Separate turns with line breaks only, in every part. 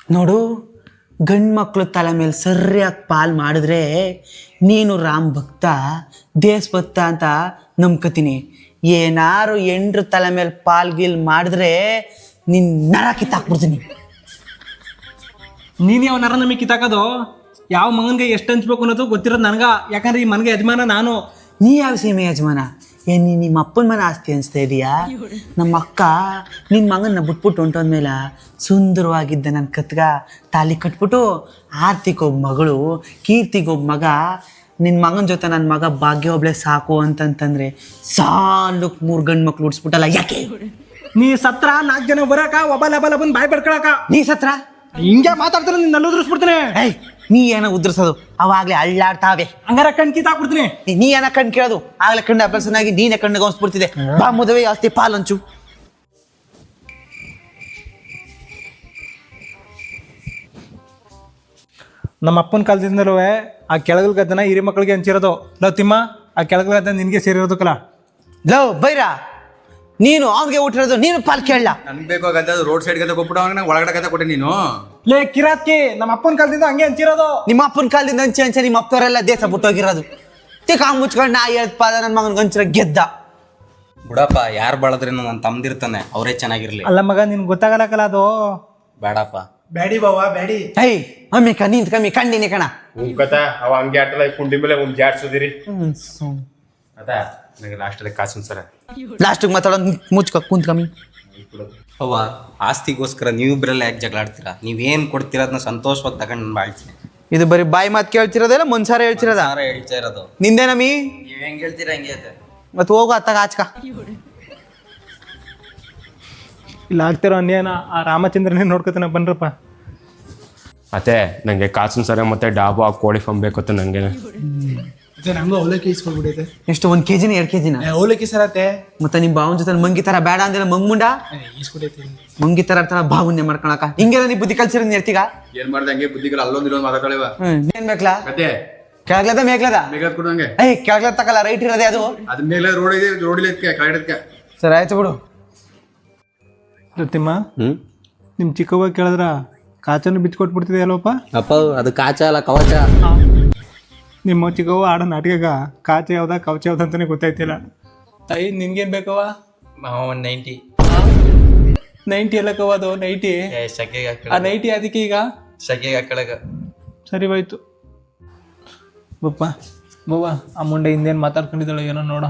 ನೋಡು, ಗಂಡು ಮಕ್ಕಳು ತಲೆ ಮೇಲೆ ಸರಿಯಾಗಿ ಪಾಲ್ ಮಾಡಿದ್ರೆ ನೀನು ರಾಮ್ ಭಕ್ತ ದೇಶ ಭಕ್ತ ಅಂತ ನಂಬ್ಕತೀನಿ. ಏನಾರು ಎಂಡ್ರ ತಲೆ ಮೇಲೆ ಪಾಲ್ ಗೀಲ್ ಮಾಡಿದ್ರೆ ನಿನ್ನ ನರ ಕಿತ್ತಾಕ್ಬಿಡ್ತೀನಿ.
ನೀನು ಯಾವ ನರ ನಮಗೆ ಕಿತ್ತಾಕೋದು? ಯಾವ ಮಗನಿಗೆ ಎಷ್ಟು ಹಂಚ್ಬೇಕು ಅನ್ನೋದು ಗೊತ್ತಿರೋದು ನನಗೆ. ಯಾಕಂದ್ರೆ ಈ ಮನೆಗೆ ಯಜಮಾನ ನಾನು.
ನೀ ಯಾವ ಸೀಮೆ ಯಜಮಾನ? ನೀ ನಿಮ್ಮ ಅಪ್ಪನ ಮನೆ ಆಸ್ತಿ ಅನಿಸ್ತಾ ಇದೀಯಾ? ನಮ್ಮ ಅಕ್ಕ ನಿನ್ನ ಮಗನ್ನ ಬಿಟ್ಬಿಟ್ಟು ಹೊಂಟೋದ್ಮೇಲೆ ಸುಂದರವಾಗಿದ್ದ ನನ್ನ ಕತ್ಗ ತಾಲಿ ಕಟ್ಬಿಟ್ಟು ಆರ್ತಿಗೊಬ್ಬ ಮಗಳು, ಕೀರ್ತಿಗೊಬ್ಬ ಮಗ, ನಿನ್ನ ಮಗನ ಜೊತೆ ನನ್ನ ಮಗ ಭಾಗ್ಯ ಒಬ್ಳೆ ಸಾಕು ಅಂತಂತಂದ್ರೆ ಸಾಲಕ್ಕೆ 3 ಗಂಡು ಮಕ್ಳು ಉಡ್ಸ್ಬಿಟ್ಟಲ್ಲ ಯಾಕೆ?
ನೀ ಸತ್ರ 4 ಜನ ಬರಾಕ ಒಬ್ಬ ಬಂದು ಬಾಯ್ ಪಡ್ಕೊಳಕ.
ನೀ ಸತ್ರ
ಹಿಂಗೆ ಮಾತಾಡ್ತಾರೆ, ನಿನ್ನ ಉದುರಿಸ್ಬಿಡ್ತೀನಿ.
ಏಯ್, ನೀ ಏನೋ ಉದ್ರಸೋದು, ಅವಾಗಲೇ ಅಳ್ಳಾಡ್ತಾವೆ.
ಹಂಗಾರ ಕಣ್ ಕಿತ್ತಾಕ್ಬಿಡ್ತೀನಿ.
ನೀ ಏನ ಕಣ್ ಕೇಳೋದು? ಆಗ್ಲೇ ಕಣ್ಣು ಅಭ್ಯಾಸನಾಗಿ ನೀನೇ ಕಣ್ಣು ಗಮನಿಸ್ಬಿಡ್ತಿದೆ. ಬಾ ಮದುವೆ ಆಸ್ತಿ ಪಾಲಂಚು.
ನಮ್ಮ ಅಪ್ಪನ ಕಾಲದಿಂದಲೂ ಆ ಕೆಳಗಲ್ ಗದ್ದನ ಹಿರಿ ಮಕ್ಕಳಿಗೆ ಹಂಚಿರೋದು. ಲವ್ ತಿಮ್ಮ, ಆ ಕೆಳಗಲ್ ಗದ್ದ ನಿನಗೆ ಸೇರಿರೋದಕ್ಕಲ್ಲ.
ಲವ್ ಬೈರ, ನೀನು ಅವ್ನಿಗೆ ಊಟಿರೋದು, ನೀನು ಪಾಲ್ ಕೇಳಲ್ಲ.
ನನ್ಗೆ ಬೇಕು ಗದ್ದೆ ರೋಡ್ ಸೈಡ್ ಗದ್ದೆ ಕೊಟ್ಬಿಟ್ಟು ಅವ್ನಿಗೆ ನಂಗೆ ಒಳಗಡೆ ಗದ್ದೆ ಕೊಟ್ಟೆ ನೀನು.
ಲೇ ಕಿರಾತ್ಕಿ, ನಮ್ಮ ಅಪ್ಪನ ಕಾಲದಿಂದ ಹಂಗೆ ಹಂಚಿರೋದು.
ನಿಮ್ಮ ಅಪ್ಪನ ಕಾಲದಿಂದ ಹಂಚೆ ನಿಮ್ಮ ಅಪ್ಪವರೆಲ್ಲ ದೇಶ ಬಿಟ್ಟೋಗಿರೋದು. ತಿಕ್ಕ ಮುಚ್ಕೊಂಡು ನಾ ಹೇಳ್ದ ಪಾದ ನನ್ನ ಮಗನ ಗಂಚರ ಗೆದ್ದ.
ಬಿಡಪ್ಪ, ಯಾರು ಬಳದ್ರೇನು ನನ್ನ ತಮ್ದಿರ್ತಾನೆ, ಅವರೇ ಚೆನ್ನಾಗಿರ್ಲಿ.
ಅಲ್ಲ ಮಗ, ನಿನ್ಗೆ ಗೊತ್ತಾಗಲ್ಲಕಲ್ಲ ಅದು.
ಬೇಡಪ್ಪ.
ಬ್ಯಾಡಿ ಬಾವ ಬ್ಯಾಡಿ.
ಏಯ್ ಅಮ್ಮಿ ನಿಂತ ಕಮ್ಮಿ ಕಂಡಿನಿ ಕಣ.
ಕಥ ಅವ ಹಂಗೆ ಆಟಲ್ಲ ಕುಂಡಿ ಮೇಲೆ ಒಂದು ಜಾಡ್ಸೋದಿರಿ ಅದ ನನಗೆ ಲಾಸ್ಟಲ್ಲಿ ಕಾಸು ಸರ
ಲಾಸ್ಟಿಗೆ ಮಾತಾಡೋದು ಮುಚ್ಕ ಕುಂತ ಕಮ್ಮಿ.
ಅವ್ವ, ಆಸ್ತಿಗೋಸ್ಕರ ನೀವಿಬ್ರೆಲ್ಲ ಯಾಕೆ ಜಗಳ ಆಡ್ತೀರಾ? ನೀವೇನು ಕೊಡ್ತೀರ ಅದನ್ನ ಸಂತೋಷವಾಗಿ ತಗೊಂಡು ನಾನು ಬಾಳ್ತೀನಿ.
ಇದು ಬರೀ ಬಾಯಿ ಮಾತು ಕೇಳ್ತಿರೋದಲ್ಲ ಮನ್ಸಾರ ಹೇಳ್ತಿರೋದ?
ಹೇಳ್ತಾ ಇರೋದು
ನಿಂದೇನಮ್ಮಿ?
ನೀವ್ ಹೆಂಗ್ ಹೇಳ್ತೀರಾ ಹಂಗೆ ಐತೆ.
ಮತ್ತೆ ಹೋಗು ಅತ್ತಾಗ ಆಚ್ಕ.
ಇಲ್ಲ ಆಗ್ತಿರೋ ಅನ್ಯಾಯನ ಆ ರಾಮಚಂದ್ರನೇ ನೋಡ್ಕೊತಾನೆ. ಬನ್ರಪ್ಪ.
ಮತ್ತೆ ನನಗೆ ಕಾಸಿನ ಸರ ಮತ್ತೆ ಡಾಬು ಆ ಕೋಳಿ ಫಾರ್ಮ್ ಬೇಕತ್ತೆ ನನಗೆ.
ನಂಗೂ ಅವಲಕ್ಕಿ ಇಸ್ಕೊಳ್ಬಿಡೈತೆ.
ಎಷ್ಟು 1 kg 2 kg?
ಅವಲಕ್ಕಿ ಸರತೆ.
ಮತ್ತೆ ನಿಮ್ಮ ಬಾವನ ಜೊತೆ ಮಂಗಿ ತರ ಬೇಡ ಅಂದ್ರೆ ಮಂಗ್ಮುಂಡ
ಇಸ್ಕೊಡೈತಿ.
ಮಂಗಿ ತರ ಬಾವನ್ನೇ ಮಾಡ್ಕೊಳಕ ಹಿಂಗೆಲ್ಲ ನೀ ಬುದ್ಧಿ ಕಲ್ಸಿರ ನೀರ್ತೀಗ.
ಏನ್ ಮಾಡ್ದೆ ಹಂಗೆ ಬುದ್ಧಿಗಳು ಅಲ್ಲೊಂದು ಇಲ್ಲೊಂದು ಮಾತಾಡ್ಕಳಿವ.
ಏನ್ ಬೇಕಲ್ಲ?
ಮತ್ತೆ
ಕೆಳಗ್ಲದ ಮೇಗ್ಲದ?
ಮೇಘದ್ ಕೊಡು ಹಂಗೆ.
ಏಯ್ ಕೆಳಗ್ಲದ ತಕಲ್ಲ, ರೈಟ್ ಇರೋದೇ ಅದು.
ಅದ್ ಮೇಲೆ ರೋಡ್ ಇದೆ, ರೋಡ್ ಇಲ್ಲ ಕೆಳಗಡೆ.
ಸರಿ ಆಯ್ತು ಬಿಡು.
ತಿಮ್ಮ, ನಿಮ್ಮ ಚಿಕ್ಕವ್ವ ಕೇಳಿದ್ರ ಕಾಚನ್ನು ಬಿಚ್ಕೊಟ್ಬಿಡ್ತಿದೆ ಅಲ್ವಪ್ಪ?
ಅಪ್ಪ, ಅದು ಕಾಚ ಅಲ್ಲ ಕವಚ.
ನಿಮ್ಮ ಚಿಕ್ಕವ್ವ ಆಡೋ ನಾಟಕ ಕಾಚ ಯಾವ್ದ ಕವಚ ಯಾವ್ದ ಅಂತಾನೆ ಗೊತ್ತಾಯ್ತಿಲ್ಲ. ತಾಯಿ ನಿನ್ಗೇನ್ ಬೇಕವ?
90
90 ಎಲ್ಲ ಕವದು 90.
ಶಕೆಗೆ
ಆ 90 ಅದಕ್ಕೆ ಈಗ
ಶಕೆಗೆ ಹಾಕಳಗ.
ಸರಿ ಹೋಯ್ತು. ಬಪ್ಪ ಬವ್ವ, ಆ ಮುಂಡೆ ಹಿಂದೇನು ಮಾತಾಡ್ಕೊಂಡಿದ್ದಾಳೆ ಏನೋ ನೋಡ.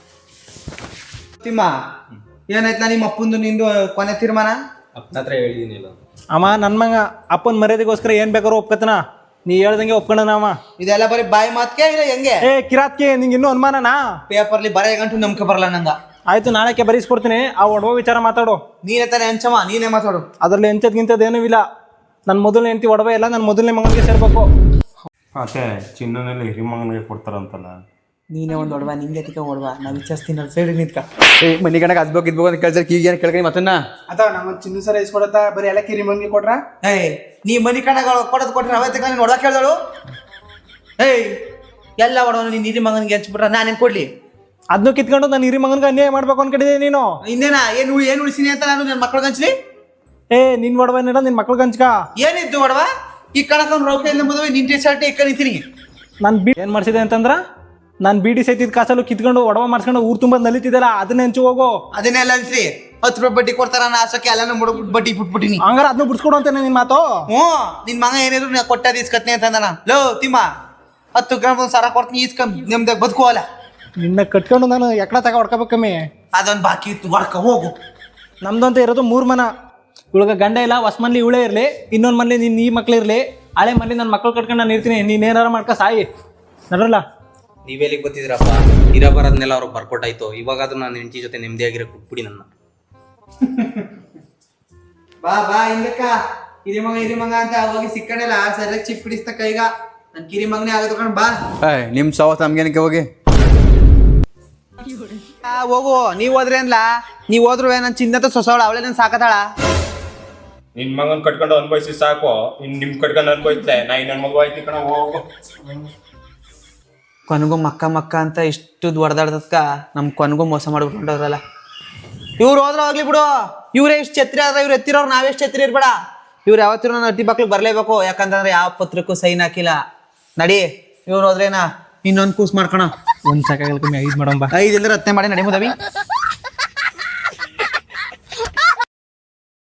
ತಿಮ್ಮ, ಏನಾಯ್ತು ನಿಮ್ಮ ಅಪ್ಪಂದು ನಿಂದು ಕೊನೆ ತೀರ್ಮಾನ?
ಅಪ್ಪನ ಹತ್ರ ಹೇಳಿದೀನಿ.
ಅಮ್ಮ ನನ್ನ ಮಗ ಅಪ್ಪನ ಮರ್ಯಾದೆಗೋಸ್ಕರ ಏನ್ ಬೇಕಾದ್ರೂ ಒಪ್ಕತನ. ನೀ ಹೇಳ್ದಂಗೆ ಒಪ್ಕೊಂಡನ ಅವ.
ಇದೆಲ್ಲ ಬರೀ ಬಾಯಿ ಮಾತ್ಕೆ ಇಲ್ಲ ಹೆಂಗೆ?
ಏ ಕಿರಾತ್ಗೆ, ನಿಂಗೆ ಇನ್ನೂ ಅನುಮಾನನಾ?
ಪೇಪರ್ಲಿ ಬರೆಯ ಗಂಟು ನಂಬಿಕೆ ಬರಲ್ಲ ನಂಗ.
ಆಯ್ತು, ನಾಳೆಕ್ಕೆ ಬರೀಸ್ಕೊಡ್ತೀನಿ. ಆ ಒಡವ ವಿಚಾರ ಮಾತಾಡು.
ನೀನೇ ತಾನೇ ಹಂಚಮ್ಮ, ನೀನೇ ಮಾತಾಡು.
ಅದರಲ್ಲಿ ಎಂಥದ್ಗಿಂಥದ್ದೇನೂ ಇಲ್ಲ. ನನ್ನ ಮೊದಲನೇ ಹೆಂಡತಿ ಒಡವೆ ಎಲ್ಲ ನನ್ನ ಮೊದಲನೇ ಮಗನಿಗೆ ಸೇರ್ಬೇಕು.
ಮತ್ತೆ ಚಿನ್ನನೆಲ್ಲ ಹಿರಿ ಮಗನಿಗೆ ಕೊಡ್ತಾರಂತಲ್ಲ.
ನೀನೇ ಒಂದು ಒಡವ, ನಿಂಗೆ ತಿಕ್ಕ ಒಡವ. ನಾವು ವಿಚಾರಿಸ್ತೀನಿ ಸೈಡ್ ನಿಂತ್ಕ. ಮನಿ ಗಣಕ ಅದ್ಬೇಕು ಇದ್ಬೇಕು ಅಂತ ಕೇಳ್ತಾರೆ. ಈಗ ಏನು ಕೇಳ್ಕಿ ಮತ್ತನ್ನ
ಅಥವಾ ನಮ್ಮ ಚಿನ್ನ ಸರ ಇಸ್ಕೊಡತ್ತ ಬರೀ ಎಲ್ಲ ಕಿರಿ ಮಂಗಿ ಕೊಟ್ರ.
ಏಯ್, ನೀ ಮನಿ ಕಣಗಳು ಕೊಡೋದು ಕೊಟ್ರೆ ಅವೇ ತಕ್ಕ ನೀನು ಒಡವ ಕೇಳ್ದಳು. ಏಯ್, ಎಲ್ಲ ಒಡವನು ನೀನು ಹಿರಿ ಮಗನಿಗೆ ಹಂಚ್ಬಿಟ್ರ ನಾನೇನು ಕೊಡ್ಲಿ?
ಅದನ್ನು ಕಿತ್ಕೊಂಡು ನನ್ನ ಹಿರಿ ಮಗನಿಗೆ ಅನ್ಯಾಯ ಮಾಡ್ಬೇಕು ಅನ್ಕೊಂಡಿದ್ದೆ ನೀನು.
ಇನ್ನೇನ ಏನು ಉಳಿಸಿನಿ ಅಂತ ನಾನು ನನ್ನ ಮಕ್ಳಿಗೆ ಹಂಚ್ಲಿ?
ಏ, ನಿನ್ ಒಡವೆನಿಲ್ಲ ನಿನ್ ಮಕ್ಳಿಗೆ ಹಂಚ್ಕ.
ಏನಿದ್ದು ಒಡವ? ಈ ಕಣಕ ರೌಕೆ ಇಲ್ಲ ಮದುವೆ ನಿನ್ ಟಿ ಶರ್ಟ್ ಇಕ್ಕ ನಿಂತೀನಿ.
ನಾನು ಏನು ಮಾಡಿಸಿದೆ ಅಂತಂದ್ರ, ನಾನು ಬೀಡಿ ಸೈತಿದ್ ಕಾಸಲ್ಲೂ ಕಿತ್ಕೊಂಡು ಒಡವ ಮಾಡಿಸ್ಕೊಂಡು ಊರು ತುಂಬ ನಲಿತಿದ್ದಲ್ಲ, ಅದನ್ನ ಹೆಂಚು ಹೋಗು.
ಅದನ್ನೆಲ್ಲ ಹಂಚ್ರಿ. 10 ರೂಪಾಯಿ ಬಡ್ಡಿ ಕೊಡ್ತಾರ ಆಸಕ್ಕೆ ಎಲ್ಲಾನು ಬಡ್ಡಿ ಬಿಟ್ಬಿಟ್ಟಿನಿ.
ಹಂಗಾರ ಅದನ್ನ ಬಿಡ್ಸ್ಕೊಡು ಅಂತಾನೆ ನಿನ್ ಮಾತು.
ಹ್ಞೂ, ನಿನ್ ಮಗ ಏನಿದ್ರು ನಾ ಕೊಟ್ಟಾದ ಇಸ್ಕತ್ನಿ ಅಂತಂದಾನ. ಲೋ ತಿಮ್ಮ, 10 ಗ್ರಾಮ್ ಒಂದು ಸರ ಕೊಡ್ತೀನಿ, ಇಸ್ಕ ನಿಮ್ದಾಗ ಬದುಕುವಲ್ಲ.
ನಿನ್ನ ಕಟ್ಕೊಂಡು ನಾನು ಎಕಡ ತಗ ಹೊಡ್ಕೋಬೇಕಮ್ಮಿ.
ಅದೊಂದು ಬಾಕಿ ಇತ್ತು, ಹೊಡ್ಕ ಹೋಗು.
ನಮ್ದಂತ ಇರೋದು 3 ಮನ. ಇವಳಿಗೆ ಗಂಡ ಇಲ್ಲ, ಹೊಸ ಮನ್ಲಿ ಇವಳೇ ಇರಲಿ, ಇನ್ನೊಂದು ಮನ್ಲಿ ನಿನ್ನ ಈ ಮಕ್ಳು ಇರಲಿ, ಹಳೆ ಮನ್ಲಿ ನನ್ನ ಮಕ್ಳು ಕಟ್ಕೊಂಡು ನಾನು ಇರ್ತೀನಿ. ನೀನೇನಾರ ಮಾಡ್ಕೊ ಸಾಯಿ ನಡ್ರಲ್ಲ.
ನೀವೆಲ್ಲಿಗೆ ಗೊತ್ತಿದ್ದೀರಪ್ಪ? ಇರ ಬರೋದ್ನೆಲ್ಲ ಅವ್ರಿಗೆ ಬರ್ಕೊಟ್ಟಾಯ್ತು. ಇವಾಗಾದ್ರೂ ನಾನು ಹೆಂಡತಿ ಜೊತೆ ನೆಮ್ಮದಿಯಾಗಿರೋ ಕೊಟ್ಬಿಡಿ ನನ್ನ.
ಬಾ ಬಾ ಹಿಂದಕ್ಕ. ಹಿರಿ ಮಗ ಅಂತ ಹೋಗಿ ಸಿಕ್ಕಣಿಲ್ಲ, ಸರಿಯಾಗಿ ಚಿಪ್ ಹಿಡಿಸ್ತ ಕೈಗ. ನನ್ ಕಿರಿ ಮಗನೇ ಆಗೋದು ಕಣ್. ಬಾ
ನಿಮ್ ಸವತ್ ನಮ್ಗೇನಕ್ಕೆ ಹೋಗಿ
ಹೋಗು. ನೀವ್ ಹೋದ್ರೆ ಅನ್ಲ, ನೀವ್ ಹೋದ್ರು ನನ್ ಚಿನ್ನತ ಸೊಸವಳ, ಅವಳೇ ನನ್ ಸಾಕತಾಳ.
ನಿನ್ ಮಗನ್ ಕಟ್ಕೊಂಡು ಅನ್ಭವಿಸಿ ಸಾಕು. ನಿಮ್ ಕಟ್ಕೊಂಡು ಅನ್ಭವಿಸ್ತೆ. ನಾ ಇನ್ನೊಂದ್ ಮಗು ಆಯ್ತು ಕಣ, ಹೋಗು.
ಕೊನೆಗೂ ಮಕ್ಕ ಅಂತ ಇಷ್ಟು ಹೊಡೆದಾಡ್ದಕ್ಕ ನಮ್ ಕೊನೆಗೂ ಮೋಸ ಮಾಡ್ಬಿಟ್ಟವ್ರಲ್ಲ. ಇವ್ರು ಹೋದ್ರ ಹೋಗ್ಲಿ ಬಿಡು. ಇವ್ರೇ ಇಷ್ಟು ಛತ್ರಿ ಆದ್ರೆ ಇವ್ರು ಎತ್ತಿರೋರು ನಾವೆಷ್ಟು ಛತ್ರಿ ಇರ್ಬೇಡ. ಇವ್ರು ಯಾವತ್ತಿರೂ ನನ್ನ ಅಟ್ಟಿ ಬಾಕ್ಲಿಗೆ ಬರಲೇಬೇಕು, ಯಾಕಂತಂದ್ರೆ ಯಾವ ಪತ್ರಕ್ಕೂ ಸೈನ್ ಹಾಕಿಲ್ಲ. ನಡಿ, ಇವ್ರು ಹೋದ್ರೇನಾ ಇನ್ನೊಂದು ಕೂಸ್ ಮಾಡ್ಕೊಣ.
ಒಂದು ಸಾಕಾಗಲ್ಲ ಕಮ್ಮಿ 5 ಮಾಡೋಣ ಬಾ.
5 ಇಲ್ದ್ರೆ 10 ಮಾಡಿ ನಡಿ ಮುದವಿ.